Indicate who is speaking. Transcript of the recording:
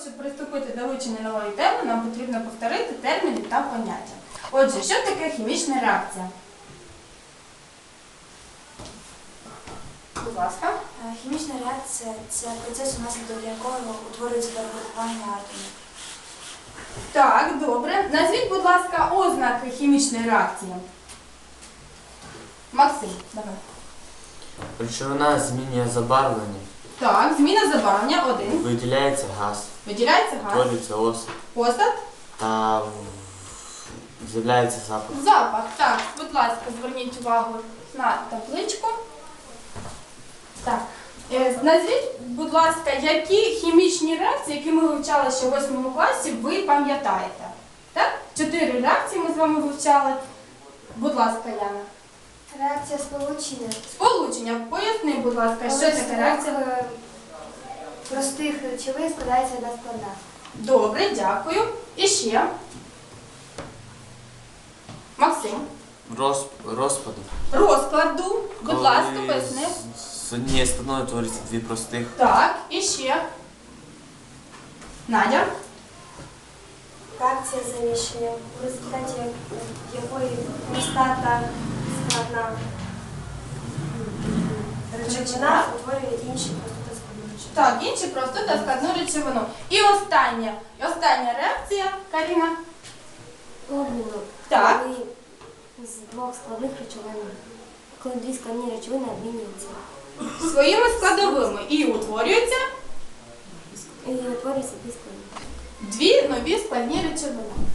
Speaker 1: щоб приступити до вивчення нової теми, нам потрібно повторити терміни та поняття. Отже, що таке хімічна реакція? Будь ласка.
Speaker 2: Хімічна реакція – це процес, унаслідок якого утворюється перегрупування атомів.
Speaker 1: Так, добре. Назвіть, будь ласка, ознаки хімічної реакції. Максим, давай.
Speaker 3: Речовина змінює забарвлення,
Speaker 1: Так, зміна забарвлення один.
Speaker 3: виділяється газ,
Speaker 1: Виділяється газ.
Speaker 3: утворюється осад
Speaker 1: Осад.
Speaker 3: та з'являється запах.
Speaker 1: Запах. Так, будь ласка, зверніть увагу на табличку. Так. Назвіть, будь ласка, які хімічні реакції, які ми вивчали ще в 8 класі, ви пам'ятаєте? Так? 4 реакції ми з вами вивчали. Будь ласка, Яна.
Speaker 2: Реакція сполучення.
Speaker 1: Сполучення. Поясни, будь ласка, що таке реакція?
Speaker 2: Простих речовин складається на складах.
Speaker 1: Добре, дякую. І ще. Максим.
Speaker 3: Розпаду.
Speaker 1: Розкладу. Будь ласка, поясни.
Speaker 3: З однієї складної утворюється дві простих.
Speaker 1: Так, і ще. Надя.
Speaker 2: Реакція заміщення, в результаті якої проста та складна речовина утворює інші просту та складну речовину.
Speaker 1: Так, інші просту та складну речовину. І остання реакція, Каріна.
Speaker 2: Обміну.
Speaker 1: Так.
Speaker 2: Коли з двох складних речовин, коли дві складні речовини обмінюються.
Speaker 1: Своїми складовими. І утворюються
Speaker 2: І утворюються дві складні.
Speaker 1: дві нові складні речовини.